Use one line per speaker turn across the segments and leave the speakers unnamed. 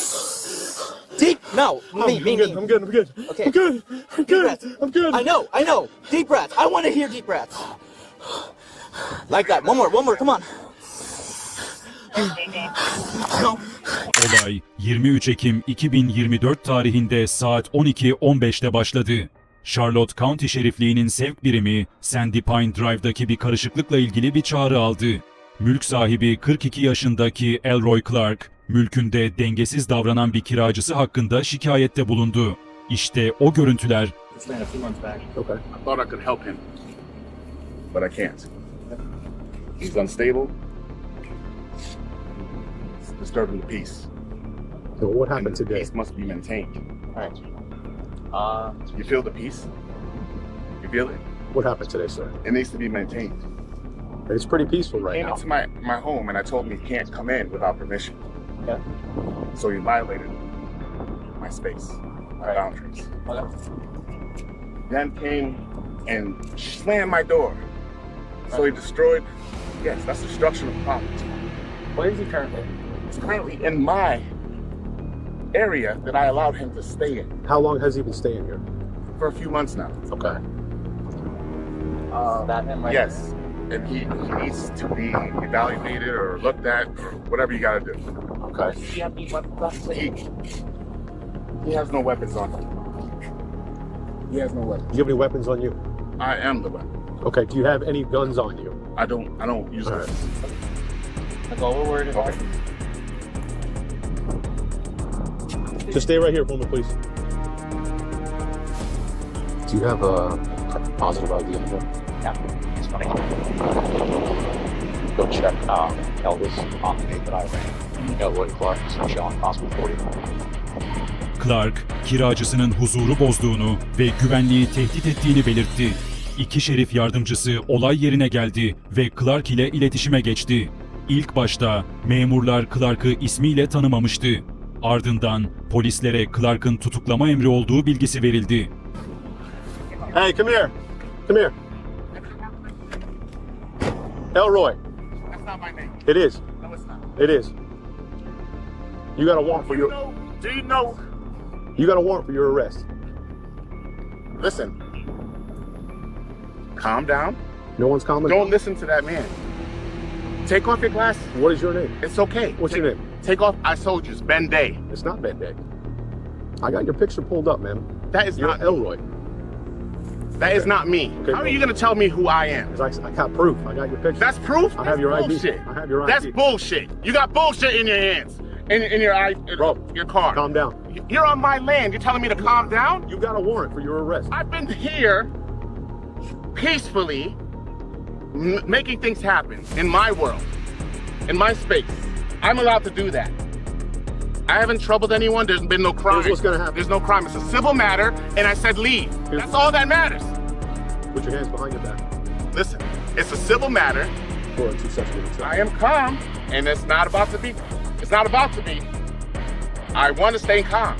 Deep. No. Me.
I'm good.
Okay.
I'm good.
Deep breaths.
I'm good.
I know. Deep breaths. I want to hear deep breaths. Like that. One more. Come on. No.
Olay 23 Ekim 2024 tarihinde saat 12:15'te başladı. Charlotte County Şerifliği'nin sevk birimi Sandy Pine Drive'daki bir karışıklıkla ilgili bir çağrı aldı. Mülk sahibi 42 yaşındaki Elroy Clark, mülkünde dengesiz davranan bir kiracısı hakkında şikayette bulundu. İşte o görüntüler.
Okay. I thought I could help him, but I can't. He's unstable. It's disturbing the peace.
So what happened
And the
today?
peace must be maintained.
All right.
You feel the peace? You feel it?
What happened today, sir?
It needs to be maintained.
It's pretty peaceful right
Came
now.
into my home and I told him he can't come in without permission.
Okay.
So he violated my space, my boundaries.
Okay.
Then came and slammed my door. So he destroyed. Yes, that's destruction of property.
Where is he currently?
It's currently in my area that I allowed him to stay in
How long has he been staying here?
for a few months now.
Okay.
That him right
Yes, and he needs to be evaluated or looked at or whatever you gotta do.
Okay.
Does he have any weapons left?
He has no weapons on him. He has no weapons.
Do you have any weapons on you?
I am the weapon.
Okay. Do you have any guns on you?
I don't use
All
it.
right.
That's all we're worried about.
Okay.
Just stay right here for me, please. Do you have a positive ID on you?
Yeah, it's funny. Go check Elvis on the day that I ran. Elroy Clark is showing possible 40.
Clark, kiracısının huzuru bozduğunu ve güvenliği tehdit ettiğini belirtti. İki şerif yardımcısı olay yerine geldi ve Clark ile iletişime geçti. İlk başta memurlar Clark'ı ismiyle tanımamıştı. Ardından polislere Clark'ın tutuklama emri olduğu bilgisi verildi.
Hey, come here. Come here. Elroy.
That's not my name.
It is.
No, it's not.
It is. You got a warrant for your.
Do you know?
You got a warrant for your arrest.
Listen. Calm down.
No one's calling.
Don't listen to that man. Take off your glasses.
What is your name?
It's okay.
What's your name?
Take off. I told you, it's Ben Day.
It's not Ben Day. I got your picture pulled up, man.
That is
You're
not
Elroy.
That is not me.
Okay,
How are you gonna tell me who I am?
'Cause I got proof. I got your picture.
That's proof.
I have your
That's
ID.
bullshit.
I have your ID.
That's bullshit. You got bullshit in your hands, in your
Bro,
your car.
calm down.
You're on my land. You're telling me to calm down?
You got a warrant for your arrest.
I've been here peacefully, making things happen in my world, in my space. I'm allowed to do that. I haven't troubled anyone. There's been no crime.
Here's what's gonna happen.
There's no crime. It's a civil matter, and I said leave. That's all that matters.
Put your hands behind your back.
Listen, it's a civil matter.
4 2 sets minutes.
I am calm, and it's not about to be. It's not about to be. I want to stay calm.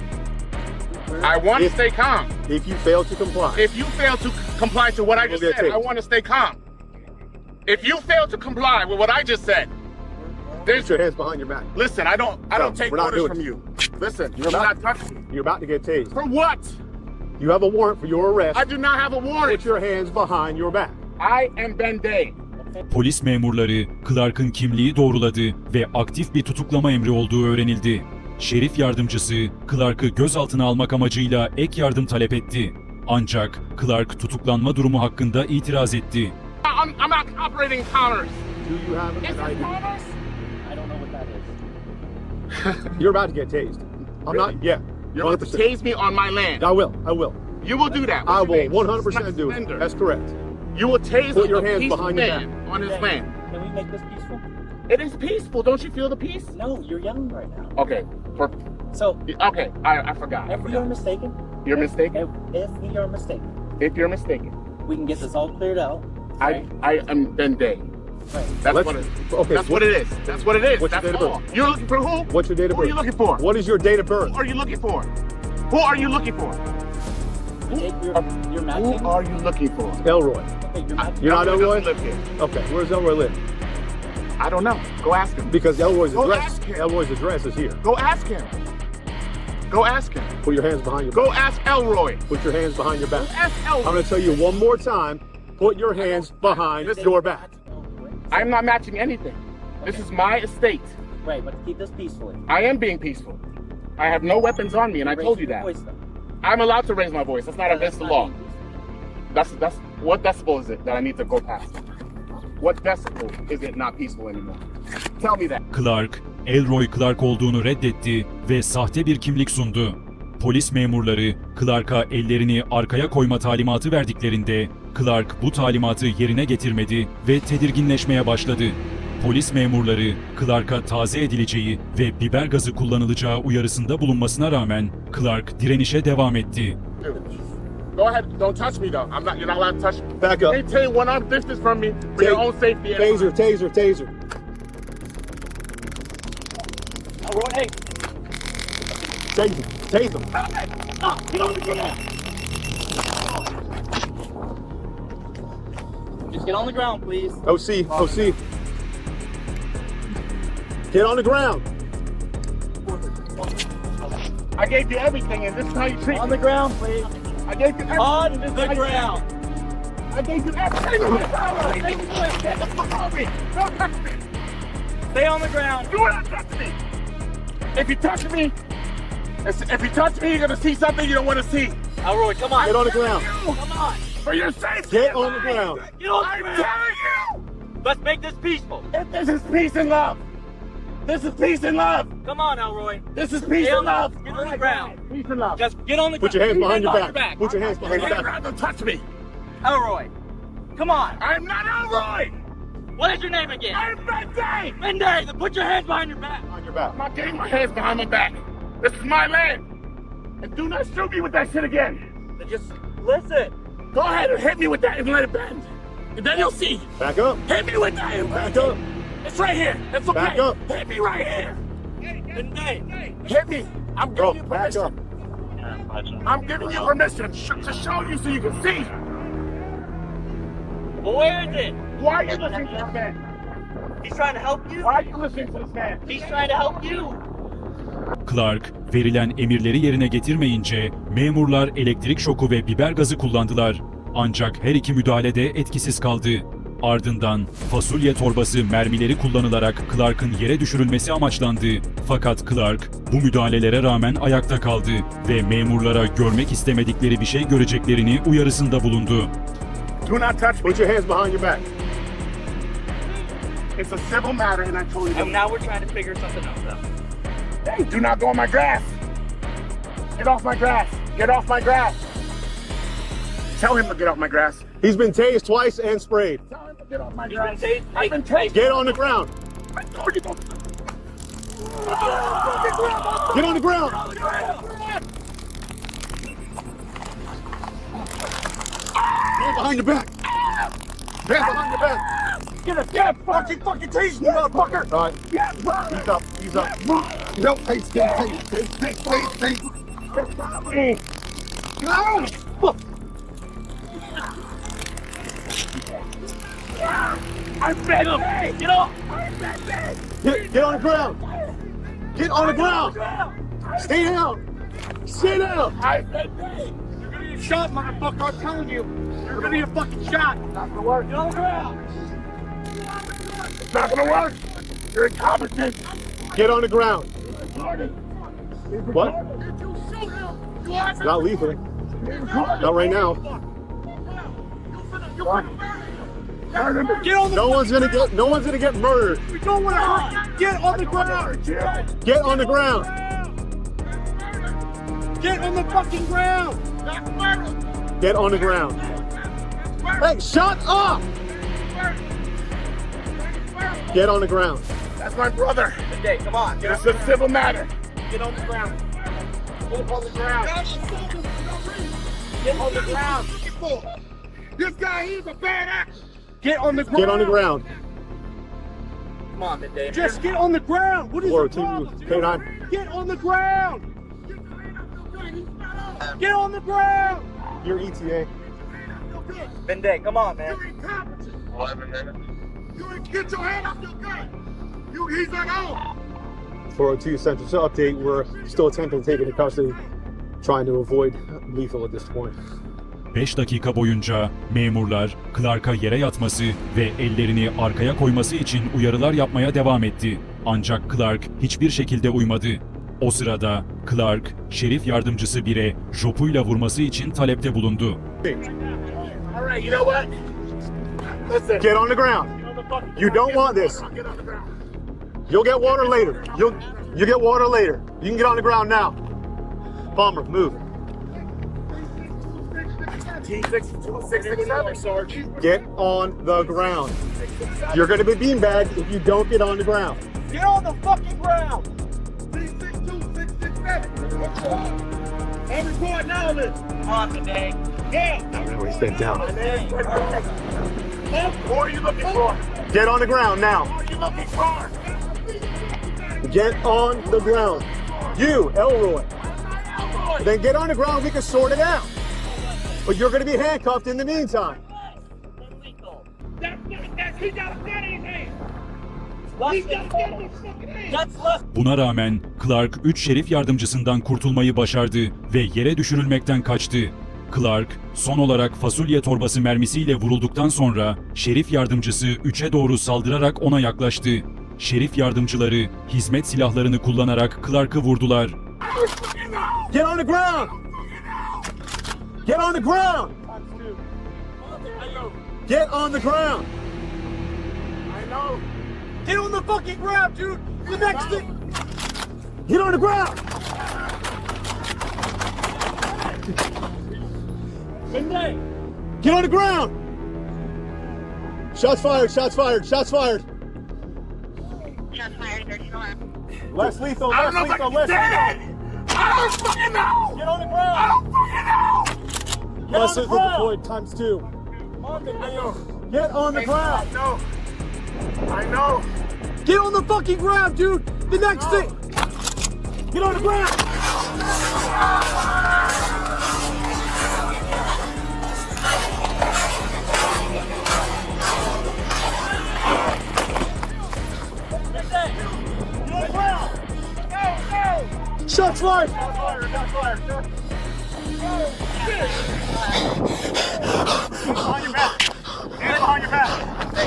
I want to
If-
stay calm.
If you fail to comply,
If you fail to comply to what I just
You'll get
said, I
taped.
want to stay calm. If you fail to comply with what I just said, there's.
put your hands behind your back.
Listen, I don't
No,
take
we're not
orders
doing
from
it.
you. Listen,
You're
you're
not-
not touching me.
You're about to get tased.
For what?
You have a warrant for your arrest.
I do not have a warrant.
Put your hands behind your back.
I am Ben Day.
Polis memurları Clark'ın kimliği doğruladı ve aktif bir tutuklama emri olduğu öğrenildi. Şerif yardımcısı Clark'ı gözaltına almak amacıyla ek yardım talep etti. Ancak Clark tutuklanma durumu hakkında itiraz etti.
I'm not operating commerce.
Do you have
Is
an
it
ID?
commerce?
I don't know what that is.
You're about to get tased. I'm
Really?
not. Yeah.
You're about to
100%.
tase me on my land.
I will. I will.
You will do that.
I
What's your
will
name?
100% do it.
Suspender.
That's correct.
You will tase
Put your
a
hands
peaceful
behind your
man on his land.
Can we make this peaceful?
It is peaceful. Don't you feel the peace?
No, you're young right now.
Okay.
So,
Okay. I forgot.
if we are mistaken,
You're mistaken.
if we are mistaken,
If you're mistaken,
we can get this all cleared out.
I am Ben Day.
Right.
That's
Let's-
what it is.
okay,
That's what it is. That's what it is.
what's your
That's
date of
all.
birth?
You're looking for who?
What's your date of
Who are
birth?
you looking for?
What is your date of birth?
Who are you looking for? Who are you looking for?
Take your matching.
Who are you looking for?
Elroy.
Okay, your matching.
You're not
Elroy
Elroy?
doesn't live here.
Okay. Where does Elroy live?
I don't know. Go ask him.
Because Elroy's
Go
address.
ask him.
Elroy's address is here.
Go ask him. Go ask him.
Put your hands behind your
Go
back.
ask Elroy.
Put your hands behind your back.
Ask
I'm
Elroy.
gonna tell you one more time. Put your hands behind your back.
I'm not matching anything. This is my estate.
Right, but keep this peacefully.
I am being peaceful. I have no weapons on me, and I told you that. I'm allowed to raise my voice. That's not against the law. That's what decibel is it that I need to go past? What decibel is it not peaceful anymore? Tell me that.
Clark, Elroy Clark olduğunu reddetti ve sahte bir kimlik sundu. Polis memurları Clark'a ellerini arkaya koyma talimatı verdiklerinde Clark bu talimatı yerine getirmedi ve tedirginleşmeye başladı. Polis memurları Clark'a taze edileceği ve biber gazı kullanılacağı uyarısında bulunmasına rağmen Clark direnişe devam etti.
Go ahead. Don't touch me, though. You're not allowed to touch me.
Back up.
Maintain one arm distance from me for your own safety.
Taser, taser, taser.
Elroy, hey.
Taser, taser.
Just get on the ground, please.
OC, OC. Get on the ground.
I gave you everything, and this is how you treat
On
me.
the ground, please.
I gave you everything.
On
and this is
the
how you treat me.
ground.
I gave you everything. Get the fuck off me. Don't touch me.
Stay on the ground.
Do not touch me. If you touch me, you're gonna see something you don't want to see.
Elroy, come on.
Get on the ground.
Come on.
For your safety.
Get on the ground.
Get on the
I'm
ground.
telling you.
Let's make this peaceful.
If this is peace and love. This is peace and love.
Come on, Elroy.
This is peace
Get
and
on
love.
the- get on the ground.
Peace and love.
Just get on the ground.
Put your hands behind your
Hands
back. Put your hands behind your back.
Don't touch me.
Elroy, come on.
I'm not Elroy.
What is your name again?
I'm Benday.
Menday, then put your hands behind your back.
Behind your back.
I'm not getting my hands behind my back. This is my land. And do not shoot me with that shit again.
Then just listen.
Go ahead and hit me with that and let it bend. And then you'll see.
Back up.
Hit me with that and
Back
bend
up.
it. It's right here. It's okay.
Back up.
Hit me right here.
Menday.
Hit me. I'm
Bro,
giving you
back up.
permission. I'm giving you permission to show you so you can see.
Well, where is it?
Why are you listening to this man?
He's trying to help you.
Why are you listening to this man?
He's trying to help you.
Clark, verilen emirleri yerine getirmeyince memurlar elektrik şoku ve biber gazı kullandılar. Ancak her iki müdahale de etkisiz kaldı. Ardından fasulye torbası mermileri kullanılarak Clark'ın yere düşürülmesi amaçlandı. Fakat Clark bu müdahalelere rağmen ayakta kaldı ve memurlara görmek istemedikleri bir şey göreceklerini uyarısında bulundu.
Do not touch me.
Put your hands behind your back.
It's a civil matter and I told you
And
that.
now we're trying to figure something else out.
Hey, do not go on my grass. Get off my grass. Get off my grass. Tell him to get off my grass.
He's been tased twice and sprayed.
Tell him to get off my
You've
grass.
been tased.
I've been tased.
Get on the ground.
I told you to.
Get on the ground. Hands behind your back. Hands behind your back.
Get fucking tase me, motherfucker.
All right.
Yeah,
Ease up. Ease up.
No, tase. No. I'm bad. Get off.
Get on the ground. Get on the ground. Stay down. Stay down.
I've been paid. You're gonna get shot, motherfucker. I'm telling you. You're gonna get fucking shot. Not gonna work. Get on the ground. It's not gonna work. You're incompetent.
Get on the ground. What? Not lethal. Not right now.
Get on the
No one's gonna get murdered.
We don't want to hurt you. Get on the ground.
Get on the ground.
Get on the fucking ground.
Get on the ground. Hey, shut up! Get on the ground.
That's my brother.
Menday, come on.
It's a civil matter. Get on the ground. Get on the ground. Get on the ground. This guy, he's a bad actor. Get on the ground.
Get on the ground.
Come on, Menday.
Just get on the ground. What is
Or
the
two,
problem?
K9.
Get on the ground. Get on the ground.
Your ETA.
Menday, come on, man.
You're incompetent. 11 minutes. You get your hand off your gun. He's like, oh.
402 Central to update. We're still attempting to take into custody, trying to avoid lethal at this point.
5 dakika boyunca memurlar Clark'a yere yatması ve ellerini arkaya koyması için uyarılar yapmaya devam etti. Ancak Clark hiçbir şekilde uymadı. O sırada Clark, şerif yardımcısı bire jopuyla vurması için talepte bulundu.
All right, you know what? Listen.
Get on the ground. You don't want this. You'll get water later. You get water later. You can get on the ground now. Palmer, move.
T667, Sarge.
Get on the ground. You're going to be beanbagged if you don't get on the ground.
Get on the fucking ground!
I'm recording all this.
On the day.
Yeah.
He's been down.
Who are you looking for?
Get on the ground now.
Who are you looking for?
Get on the ground. You, Elroy. Then get on the ground, we can sort it out. But you're going to be handcuffed in the meantime.
He got a gun in his hand.
Less
He got a gun in his fucking hand.
That's less.
Buna rağmen Clark 3 şerif yardımcısından kurtulmayı başardı ve yere düşürülmekten kaçtı. Clark, son olarak fasulye torbası mermisiyle vurulduktan sonra şerif yardımcısı 3'e doğru saldırarak ona yaklaştı. Şerif yardımcıları hizmet silahlarını kullanarak Clark'ı vurdular.
Get on the ground. Get on the ground. Get on the ground.
I know.
Get on the fucking ground, dude! The next thing!
Get on the ground. Get on the ground. Shots fired, shots fired, shots fired.
Shots fired, 34.
Less lethal,
I
less
don't know if
lethal,
I
less
can
lethal.
stand it. I don't fucking know.
Get on the
I
ground.
don't fucking know.
Less
the
lethal
ground.
deployed times 2.
I know.
Get on the ground.
I know. I know.
Get on the fucking ground, dude! The next thing!
Get on the ground. Shots fired.
Behind your back. Hands behind your back.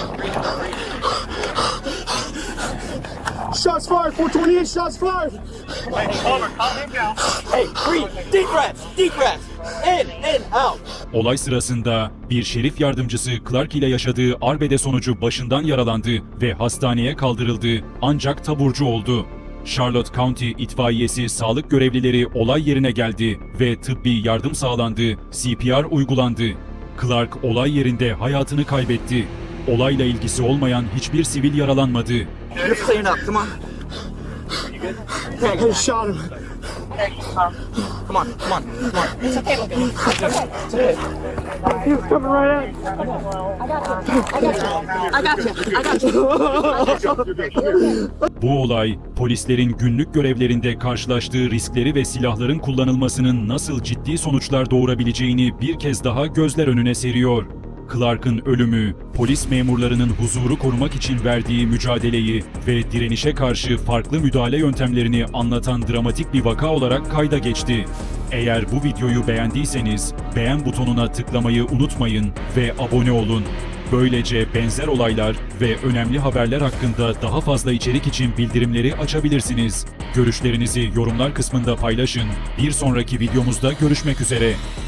Shots fired. 428 shots fired.
Palmer, calm him down.
Hey, breathe! Deep breaths! Deep breaths! In, out!
Olay sırasında bir şerif yardımcısı Clark ile yaşadığı arbede sonucu başından yaralandı ve hastaneye kaldırıldı ancak taburcu oldu. Charlotte County itfaiyesi sağlık görevlileri olay yerine geldi ve tıbbi yardım sağlandı, CPR uygulandı. Clark olay yerinde hayatını kaybetti. Olayla ilgisi olmayan hiçbir sivil yaralanmadı.
You're clearing up, come on.
I just shot him.
Come on, come on, come on.
It's okay, we'll do it.
He was coming right at me.
I got you.
Bu olay, polislerin günlük görevlerinde karşılaştığı riskleri ve silahların kullanılmasının nasıl ciddi sonuçlar doğurabileceğini bir kez daha gözler önüne seriyor. Clark'ın ölümü, polis memurlarının huzuru korumak için verdiği mücadeleyi ve direnişe karşı farklı müdahale yöntemlerini anlatan dramatik bir vaka olarak kayda geçti. Eğer bu videoyu beğendiyseniz beğen butonuna tıklamayı unutmayın ve abone olun. Böylece benzer olaylar ve önemli haberler hakkında daha fazla içerik için bildirimleri açabilirsiniz. Görüşlerinizi yorumlar kısmında paylaşın. Bir sonraki videomuzda görüşmek üzere.